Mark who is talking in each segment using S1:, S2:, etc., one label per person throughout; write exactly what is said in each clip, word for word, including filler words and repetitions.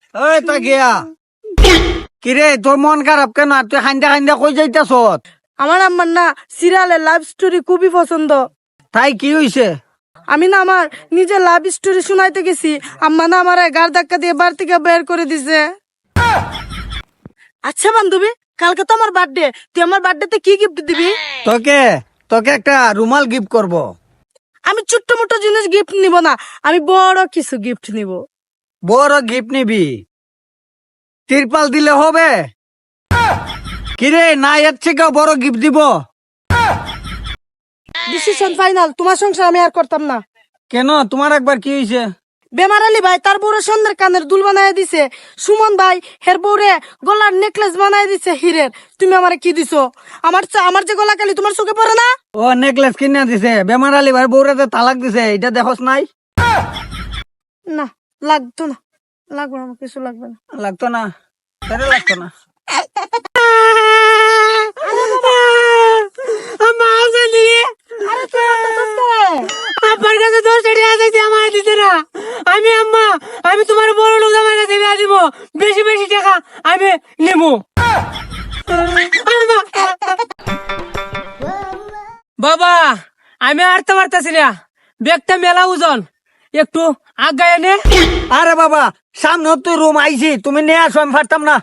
S1: ওই তা গিয়া কিরে তোর মন খারাপ কেন তুই খান্দা খান্দা কই যাইতাছ?
S2: আমার আম্মার না সিরিয়ালের লাভ স্টোরি খুবই পছন্দ।
S1: তাই কি হইছে?
S2: আমি না আমার নিজের লাভ স্টোরি শোনাইতে গেছি, আম্মা না আমার গাড় ধাক্কা দিয়ে বাড়ি থেকে বের করে দিছে। আচ্ছা বান্ধবী, কালকে তো আমার বার্থডে, তুই আমার বার্থডেতে কি গিফট দিবি?
S1: তোকে তোকে একটা রুমাল গিফট করব।
S2: আমি ছোট্ট মোটো জিনিস গিফট নিব না, আমি বড় কিছু গিফট নিব।
S1: বড় গিফট নিবি? তিরপাল দিলে হবে? কিরে না এর থেকে বড় গিফট দিব?
S2: ডিসিশন ফাইনাল, তোমার সংসার আমি আর করতাম না।
S1: কেন তোমার একবার কি হইছে?
S2: বেমার আলী ভাই তার বউরে সন্ধ্যের কানের দুল বানায় দিছে, সুমন ভাই হের বউরে গলার নেকলেস বানায় দিছে হিরের। তুমি আমারে কি দিছো? আমার চা- আমার যে গলা কালি তোমার চোখে পড়ে না?
S1: ও নেকলেস কিনে দিছে, বেমার আলী ভাই বউরাতে তালাক দিছে, এটা দেখোস নাই?
S2: না লাগতো না, লাগবে না, আমার কিছু লাগবে না।
S1: লাগতো না? তাহলে লাগতো না।
S2: আপনার কাছে দশ টাকা আছে আমার দিতে না। আমি আম্মা আমি তোমার বড় লোক আমার কাছে বিয়া দিব, বেশি বেশি টাকা আমি নেব। বাবা আমি আরতে পারতেছি না, ব্যাগটা মেলা ওজন, একটু আগায় নে।
S1: আরে বাবা সামনে তুই রুম আইছি, তুমি নিয়ে আসো, আমি পারতাম না।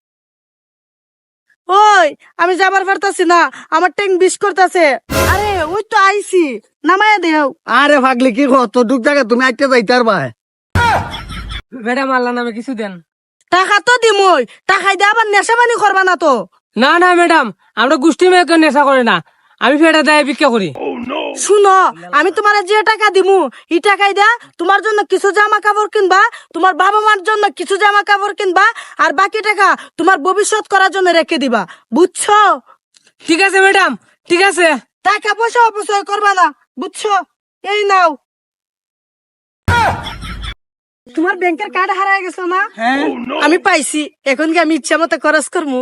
S2: ওই আমি যাবার পারতাছি না, আমার ট্যাঙ্ক বিষ করতেছে। আরে ওই তো আইছি, নামায় দেও।
S1: আরে ভাগলি কি কত দুঃখ জায়গা তুমি আইতে যাইতে পারবা?
S2: ম্যাডাম আল্লাহ নামে কিছু দেন। টাকা তো দিমই, টাকাই দিয়ে আবার নেশা পানি করবা না তো?
S3: না না ম্যাডাম, আমরা গোষ্ঠী মেয়েকে নেশা করে না, আমি ফেটা দেয় ভিক্ষা করি।
S2: শুনো, আমি তোমার যে টাকা দিমু এই টাকাই দা তোমার জন্য কিছু জামা কাপড় কিনবা, তোমার বাবা মার জন্য কিছু জামা কাপড় কিনবা, আর বাকি টাকা তোমার ভবিষ্যৎ করার জন্য রেখে দিবা, বুঝছো?
S3: ঠিক আছে ম্যাডাম, ঠিক আছে।
S2: টাকা পয়সা অপচয় করবা না, বুঝছো? এই নাও। তোমার ব্যাংকের কার্ড হারায় গেছো না?
S1: হ্যাঁ
S2: আমি পাইছি, এখন কি আমি ইচ্ছা মতো খরচ করবো?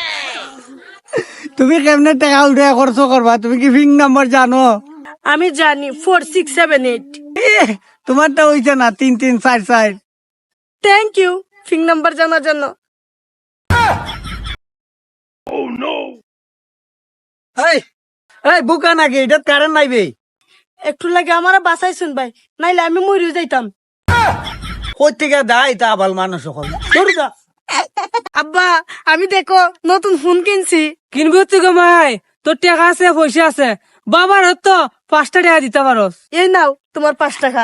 S1: তুমি কেমনে টাকা উঠে খরচ করবা? তুমি কি ফিং নাম্বার জানো?
S2: আমি জানি, ফোর সিক্স সেভেন এইট।
S1: এহ, তোমারটা হইছে না তিন তিন চার চার।
S2: থ্যাংক ইউ ফিং নাম্বার জানার জন্য।
S1: এই এই বুকা নাকি এটা কারেন্ট নাইবে?
S2: একটু লাগে আমার বাসাইছুন ভাই, নাইলে আমি মরে যাইতাম।
S1: কই থেকে দাই তা আবাল মানুষ সকল ধরু যা।
S2: আব্বা আমি দেখো নতুন ফোন কিনছি।
S3: কিনবি হচ্ছে গো মাই, তোর টাকা আছে পয়সা আছে, বাবার হতো পাঁচটা টাকা দিতে পারস।
S2: এই নাও তোমার পাঁচ টাকা।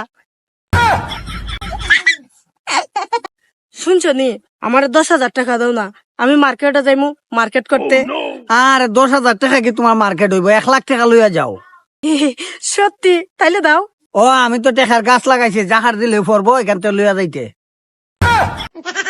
S2: শুনছো নি, আমার দশ হাজার টাকা দাও না, আমি মার্কেটে যাইমু মার্কেট করতে।
S1: আর দশ হাজার টাকা কি তোমার মার্কেট হইব? এক লাখ টাকা লইয়া যাও।
S2: সত্যি? তাইলে দাও।
S1: ও আমি তো টেকার গাছ লাগাইছি, জাহার দিলে পড়বো এখান থেকে লইয়া যাইতে।